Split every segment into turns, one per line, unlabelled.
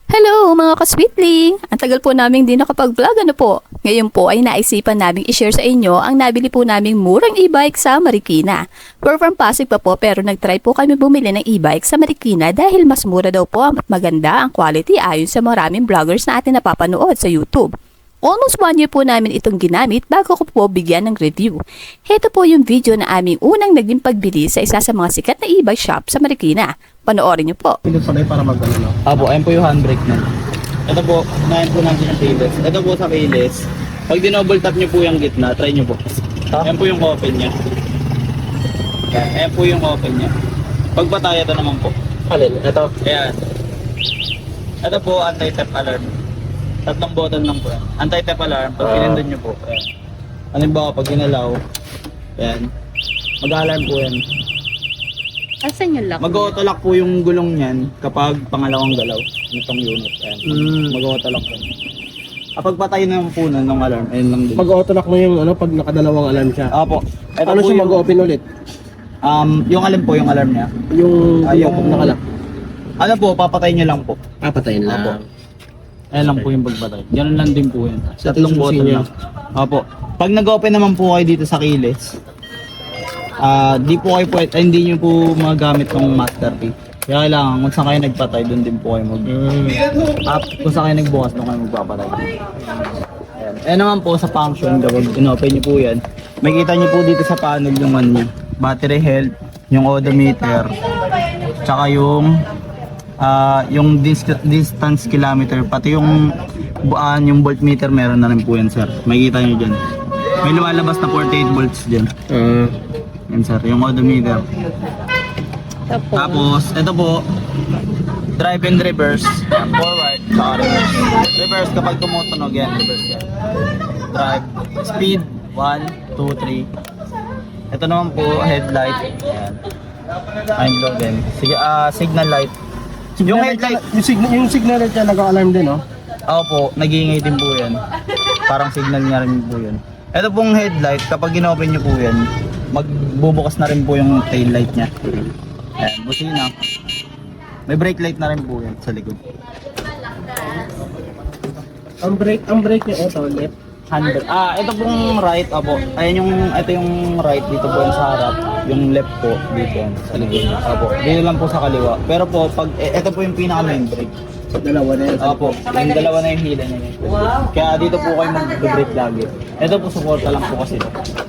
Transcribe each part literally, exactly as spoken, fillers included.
Hello mga ka-sweetling! Ang tagal po namin din nakapag-vlog, ano po? Ngayon po ay naisipan naming i-share sa inyo ang nabili po naming murang e-bike sa Marikina. We're from Pasig pa po pero nag-try po kami bumili ng e-bike sa Marikina dahil mas mura daw po at maganda ang quality ayon sa maraming vloggers na atin napapanood sa YouTube. Almost one year po namin itong ginamit bago ko po bigyan ng review. Heto po yung video na aming unang naging pagbili sa isa sa mga sikat na e-bike shop sa Marikina. Panoorin niyo po.
Pinagpalay para mag-ano, no?
Apo, ayun po yung handbrake na. Ito po, nahin po natin ang keyless. Ito po sa keyless. Pag dinoble tap nyo po yung gitna, try nyo po. Ayan po yung open niya. Ayan, ayan po yung open niya. Pag patay, ito naman po.
Alin? Ito.
Ayan. Ito po, anti-theft alarm. Tatlong button lang po yan. Anti-theft alarm, pag
Ah.
pinindon nyo po. Ayan. Halimbawa, pag ginalaw, ayan. Mag-alarm po yan.
Asan yung lock?
Mag-auto-lock po yung gulong niyan kapag pangalawang galaw nitong unit. Ayan.
Mm.
Mag-auto-lock po. Kapag patay na po nun ng alarm, ayun lang din.
Mag-auto-lock mo yung ano, pag nakadalawang alarm siya.
Apo. Ito
Paano
po
siya
yung,
mag-open ulit?
um, yung alarm po, yung alarm niya.
Yung,
Ah,
yung
yung-
nakalock.
Ano po, papatay niyo lang po.
Ah, patayin
Apo. Ayan lang po yung pagpatay. Ganun lang din po yun. Tatlong
susi
button
niya.
lang. Apo. Pag nag-open naman po kayo dito sa keyless, ah, di po kayo pwede, ay, hindi niyo po magamit ng master key. Kaya kailangan, kung saan kayo nagpatay, doon din po kayo mag...
Mm.
Up, kung saan kayo nagbukas, doon kayo magpapatay. Ayan. Ayan naman po sa function, kapag in-open nyo po yan, makikita nyo po dito sa panel yung ano niya. Battery health, yung odometer, tsaka yung ah yung dis- distance kilometer, pati yung buan, yung voltmeter meron na rin po yan, sir. Makikita nyo dyan. May lumalabas na forty-eight volts dyan.
Ah.
Yan, sir, yung odometer. Tapos, ito po, drive and reverse, yan, forward, saka reverse. Reverse kapag tumutunog yan, reverse yan. Drive, speed, one, two, three. Ito naman po, headlight, yan. Time low din. Sige, ah, signal light. Yung headlight,
Yung signal, yung signal light niya nag-alarm din, no?
ako po, nag-iingay din po yan. Parang signal niya rin po yun. Ito pong headlight, kapag in-open nyo po yan, magbubukas na rin po yung tail light niya. Ayan, busina. May brake light na rin po yan sa likod.
Ang brake, ang brake niya, ito, left.
Handle. Ah, ito pong right, apo. Ayan yung, ito yung right dito po yan sa harap. Yung left po dito yan sa likod. Apo. Dito lang po sa kaliwa. Pero po, pag, eh, ito po yung pinaka main brake.
Dalawa na yan.
Apo, yung dalawa na yung hila niya. Kaya dito po kayo mag-brake lagi. Ito po, suporta lang po kasi.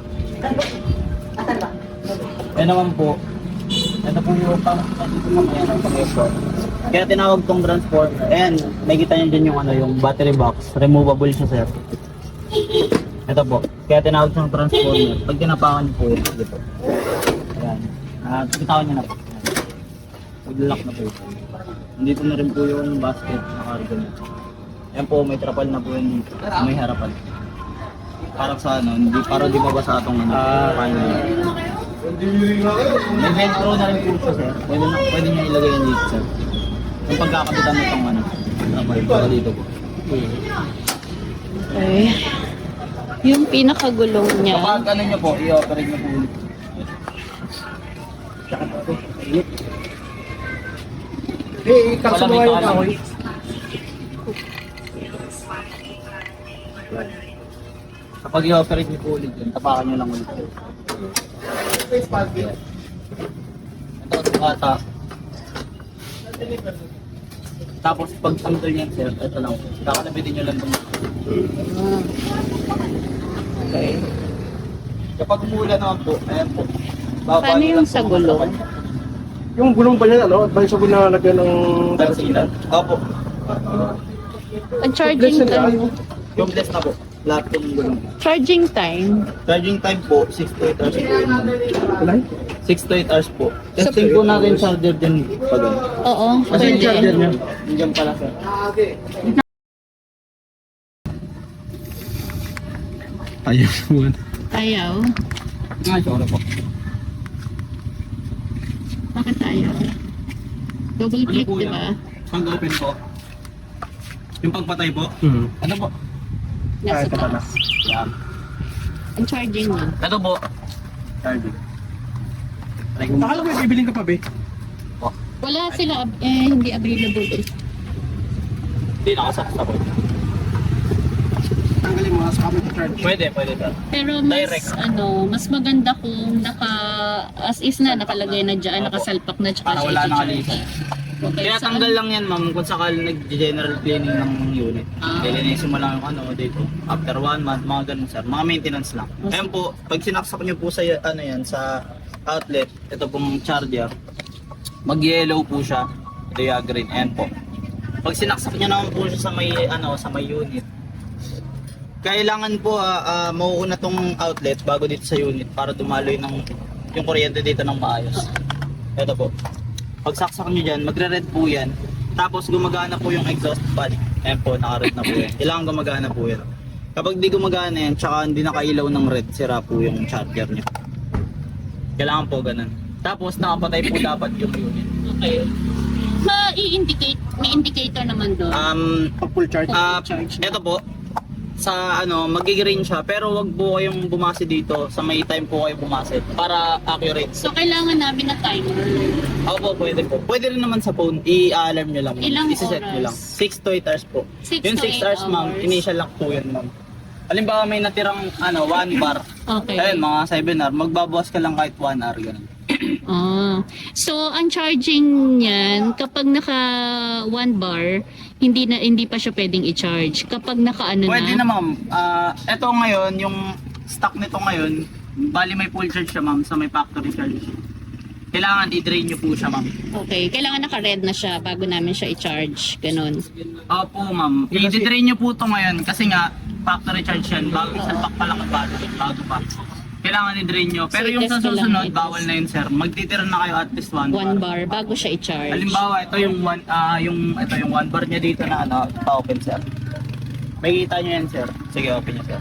Ayan naman po. Ito po yung pang, ito po yung pang-export. Kaya tinawag tong transformer. Ayan, nakikita niyo dyan yung ano, yung battery box. Removable siya, sir. Ito po. Kaya tinawag siyang transformer. Pag tinapakan niyo po yun, dito. Ayan. Ah, bitawan niyo na po. Mag-lock na po ito. Nandito na rin po yung basket na cargo niya. Ayan po, may trapal na po yun dito. May harapan. Para sa ano, hindi, para di mabasa itong ano,
Ah.
kain niya. May velcro na rin po siya, sir. Pwede, na, pwede niya ilagay yan dito, sir. Yung pagkakabitan mo itong ano, trapal, para dito po.
Okay. Yung pinakagulong niya.
Kapag ano nyo po, i-operate nyo po ulit.
Eh, kakasunuha yung kahoy.
Kapag i-operate nyo po ulit yun, tapakan nyo lang ulit. Ito, bata. Tapos pag tanggal yan, sir, ito lang. Kakalabitin nyo lang itong.
Okay.
Kapag umula naman po, ayan po. Baba
Paano
nyo
yung
lang
sa
po
gulong?
ang
Yung gulong ba yan, ano? Advisable na lagyan ng...
Tansilan. Opo.
Ang charging time.
Yung bless na po. Lahat yung gulong.
Charging time.
Charging time po, six to eight hours po yun.
Alay?
six to eight hours po. Testing po natin charger din pag ano.
Oo,
Kasi yung charger
pwede.
niya.
Nandiyan pala, sir. Ayun naman.
Ayaw.
Nga, sorry po.
Bakit ayaw? Double click,
po
di
yan?
ba?
Pag open po. Yung pagpatay po.
Hmm.
Ano po?
Nasa
ito pala.
taas.
Yan.
Ang charging niya.
Ito po. Charging.
Akala ko may bibiling ka pa, be.
Wala sila, ab- eh, hindi available eh.
Hindi nakasaksak.
Tanggalin mo sa kapit charge.
Pwede, pwede sir.
Pero mas
Direct.
ano, mas maganda kung naka as is na nakalagay na diyan,
Opo.
nakasalpak na tsaka
Para
siya
wala
i-charge.
nakalipat.
Okay,
Kaya
so
tanggal lang yan ma'am kung sakali nag-general cleaning ng unit.
Ah.
Lilinisin mo lang yung ano dito. After one month, mga ganun sir. Mga maintenance lang.
Oh,
Ayan po, pag sinaksak nyo po sa ano yan, sa outlet, ito pong charger, mag-yellow po siya. Ito yung green. Ayan po. Pag sinaksak nyo naman po siya sa may ano, sa may unit, kailangan po ah, ah, mauuna tong outlet bago dito sa unit para dumaloy ng yung kuryente dito ng maayos. Ito po. Pag saksak nyo dyan, magre-red po yan. Tapos gumagana po yung exhaust fan. Ayan po, naka-red na po yan. Kailangan gumagana po yan. Kapag di gumagana yan, tsaka hindi nakailaw ng red, sira po yung charger nyo. Kailangan po ganun. Tapos nakapatay po dapat yung unit.
okay. Ma-i-indicate, may indicator naman doon.
Um,
Pag full charge.
Ah,
Charge na.
ito po, sa ano, mag-green siya, pero wag po kayong bumase dito, sa may time po kayo bumase, para accurate.
So kailangan namin na timer.
Opo, pwede po. Pwede rin naman sa phone, i-alarm nyo lang.
Ilang
I-set nyo
oras?
lang. six to eight hours po.
Six
Yung
to
six
eight
hours, ma'am,
hours.
initial lock po yun, ma'am. Halimbawa may natirang ano, one bar.
Okay.
Ayun, mga seven hour, magbabawas ka lang kahit one hour, ganun.
Ah. So ang charging niyan kapag naka one bar, hindi na hindi pa siya pwedeng i-charge. Kapag naka ano
Pwede
na.
na, ma'am. Ah, eto ngayon, yung stock nito ngayon, bali may full charge siya, ma'am, sa may factory charge. Kailangan i-drain nyo po siya, ma'am.
Okay, kailangan naka-red na siya bago namin siya i-charge. Ganun.
Opo, ma'am. I-drain nyo po ito ngayon kasi nga, factory charge yan. Bago isalpak pa lang ang battery. Bago pa. Kailangan i-drain nyo. Pero
So,
yung
i-test
sa
ko lang
susunod,
i-test.
bawal na yun, sir. Magtitira na kayo at least one,
One
bar.
bar bago siya i-charge.
Halimbawa, ito yung one, ah yung, ito yung one bar niya dito na ano, pa-open, sir. May kita nyo yan, sir. Sige, open nyo, sir.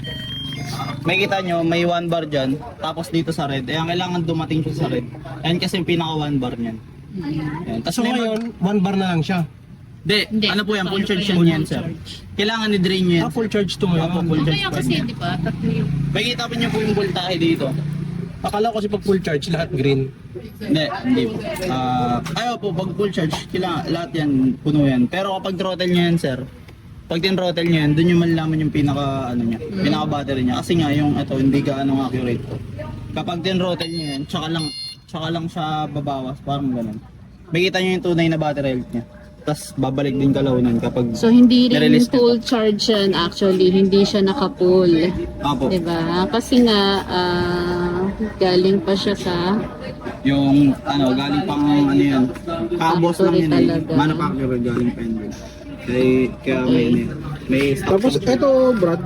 May kita nyo, may one bar dyan. Tapos dito sa red. Ayan, kailangan dumating siya sa red. Ayan kasi yung pinaka one bar niyan. Ayan. Tapos
So
may mag-
ngayon, one bar na lang siya.
Di,
Hindi.
ano po yan, full
Paano
charge
pa
yan,
yan,
yan,
full
sir.
charge?
Kailangan i-drain nyo yan.
Ah, full charge to ngayon.
Opo, full charge
Kaya
pa
kasi
yan.
di ba, tatlo yung
May kita pa nyo po yung voltahe dito.
Akala ko kasi pag full charge, lahat green.
Hindi, hindi po. Ah, ayaw po, pag full charge, kailangan, lahat yan, puno yan. Pero kapag throttle nyo yan, sir, pag tin-throttle nyo yan, dun yung malalaman yung pinaka, ano niya, pinaka battery niya. Kasi nga, yung ito, hindi ka anong accurate po. Kapag tin-throttle nyo yan, tsaka lang, tsaka lang siya babawas, parang ganun. Makita nyo yung tunay na battery health niya. Tapos babalik din kalaunan kapag
So hindi rin
nirelease
full charge yan actually, hindi siya naka-full.
Apo,
Diba? Kasi nga ah, galing pa siya sa
yung ano, galing pang ano yan, kabos lang
Factory
yun eh.
talaga.
Manufacturer galing pa yun. Kaya, kaya may, ano yun, may stock.
Tapos ito, Brad.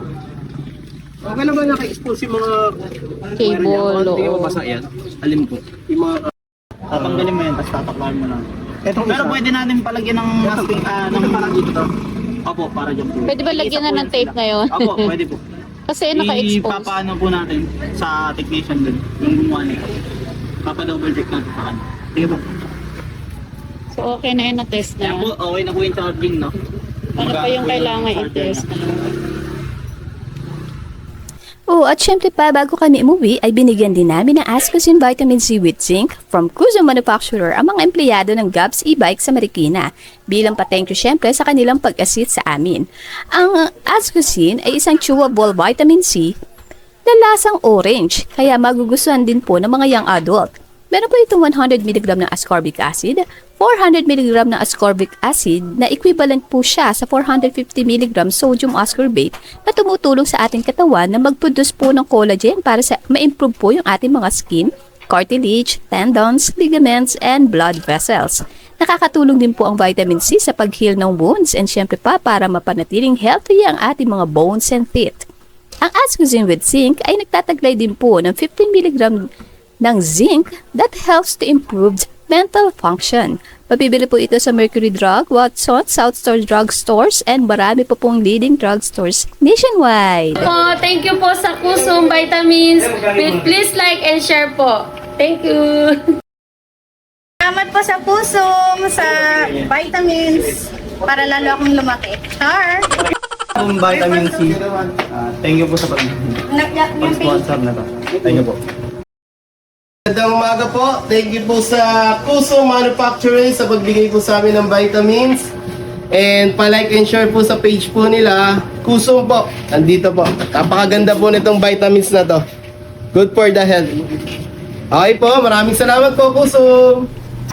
Okay lang ba naka-expose yung mga
Cable,
Hindi ka
oo.
mabasa yan.
Alin po?
Yung mga
Tatanggalin mo yan, tapos tataklan mo lang.
Etong
Pero pwede natin palagyan ng masking, ah, ng
parang dito.
Opo, para dyan po.
Pwede ba lagyan na ng tape ngayon?
Opo, pwede po.
Kasi naka-expose.
Ipapaano po natin sa technician din, yung gumawa nito. Papa-double check natin sa kanya. Sige po.
So okay na yun, na-test
Yan po,
na.
okay na po yung charging, no?
Ano pa yung kailangan i-test?
Oo, at syempre pa, bago kami umuwi, ay binigyan din namin ng Ascosin Vitamin C with Zinc from Kuzo Manufacturer ang mga empleyado ng Gabs e-bike sa Marikina bilang pa-thank you syempre sa kanilang pag-assist sa amin. Ang Ascosin ay isang chewable vitamin C na lasang orange, kaya magugustuhan din po ng mga young adult. Meron po itong one hundred milligrams ng ascorbic acid, four hundred milligrams ng ascorbic acid na equivalent po siya sa four hundred fifty milligrams sodium ascorbate na tumutulong sa ating katawan na mag-produce po ng collagen para sa ma-improve po yung ating mga skin, cartilage, tendons, ligaments, and blood vessels. Nakakatulong din po ang vitamin C sa pag-heal ng wounds and syempre pa para mapanatiling healthy ang ating mga bones and teeth. Ang Ascosin with Zinc ay nagtataglay din po ng fifteen milligrams ng zinc that helps to improve mental function. Mabibili po ito sa Mercury Drug, Watson, South Star Drug Stores, and marami po pong leading drug stores nationwide.
Po, thank you po sa Kusum Vitamins. Please, please like and share po. Thank you.
Salamat po sa Pusong, sa vitamins, para lalo akong lumaki. Char!
Yung vitamin C, ah, thank you po sa pag-
Nagyak yung
pag-sponsor na to. Thank you po.
Magandang umaga po. Thank you po sa Kuso Manufacturing sa pagbigay po sa amin ng vitamins. And pa-like and share po sa page po nila. Kusum po. Nandito po. Napakaganda po nitong vitamins na to. Good for the health. Okay po. Maraming salamat po, Kusum.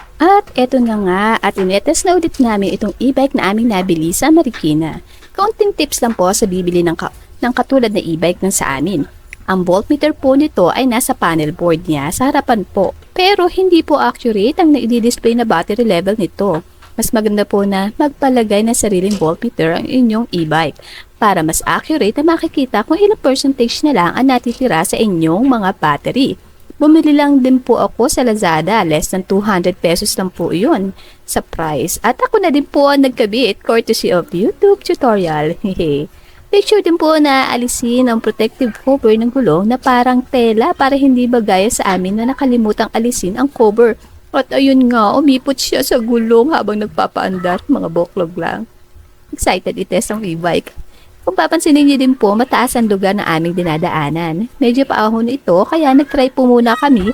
At eto na nga, at inetest na ulit namin itong e-bike na aming nabili sa Marikina. Kaunting tips lang po sa bibili ng, ka- ng katulad na e-bike ng sa amin. Ang voltmeter po nito ay nasa panel board niya sa harapan po. Pero hindi po accurate ang na-display na battery level nito. Mas maganda po na magpalagay ng sariling voltmeter ang inyong e-bike para mas accurate na makikita kung ilang percentage na lang ang natitira sa inyong mga battery. Bumili lang din po ako sa Lazada, less than two hundred pesos lang po yun sa price. At ako na din po ang nagkabit courtesy of YouTube tutorial. Hehe. Make sure din po na alisin ang protective cover ng gulong na parang tela para hindi bagaya sa amin na nakalimutang alisin ang cover. At ayun nga, umipot siya sa gulong habang nagpapaandar, mga boklog lang. Excited itest ang e-bike. Kung papansinin niyo din po, mataas ang lugar na aming dinadaanan. Medyo paahon ito, kaya nagtry po muna kami.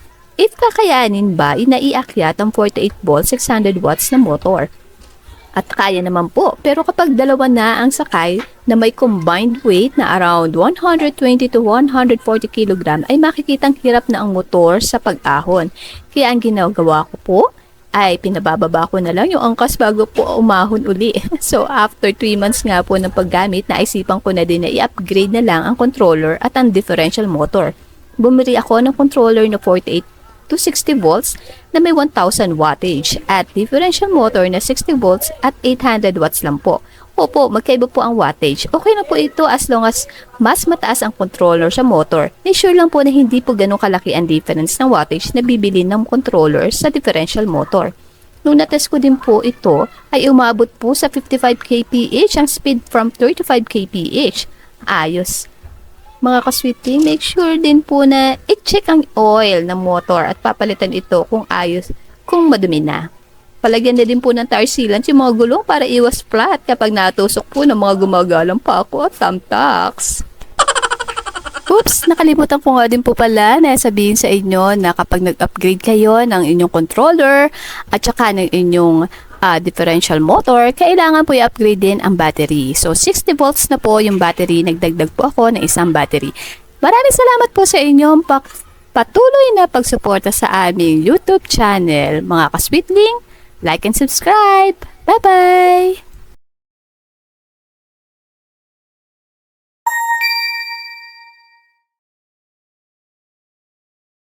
If kakayanin ba, inaiakyat ang forty-eight volt, six hundred watts na motor. At kaya naman po, pero kapag dalawa na ang sakay na may combined weight na around one hundred twenty to one hundred forty kilogram ay makikitang hirap na ang motor sa pag-ahon. Kaya ang ginagawa ko po ay pinabababa ko na lang yung angkas bago po umahon uli. So after three months nga po ng paggamit, naisipan ko na din na i-upgrade na lang ang controller at ang differential motor. Bumili ako ng controller na forty-eight to sixty volts na may one thousand wattage at differential motor na sixty volts at eight hundred watts lang po. Opo, magkaiba po ang wattage. Okay na po ito as long as mas mataas ang controller sa motor. Ensure lang po na hindi po ganun kalaki ang difference ng wattage na bibili ng controller sa differential motor. Nung natest ko din po ito, ay umabot po sa fifty-five kilometers per hour ang speed from thirty-five kilometers per hour. Ayos. Mga kasweeting, make sure din po na i-check ang oil ng motor at papalitan ito kung ayos, kung madumi na. Palagyan na din po ng tire sealant yung mga gulong para iwas flat kapag natusok po ng mga gumagalang pa ako at thumbtacks. Oops, nakalimutan ko nga din po pala na sabihin sa inyo na kapag nag-upgrade kayo ng inyong controller at saka ng inyong uh, differential motor, kailangan po i-upgrade din ang battery. So sixty volts na po yung battery, nagdagdag po ako ng isang battery. Maraming salamat po sa inyong patuloy na pagsuporta sa aming YouTube channel. Mga kasweetling, like and subscribe. Bye-bye!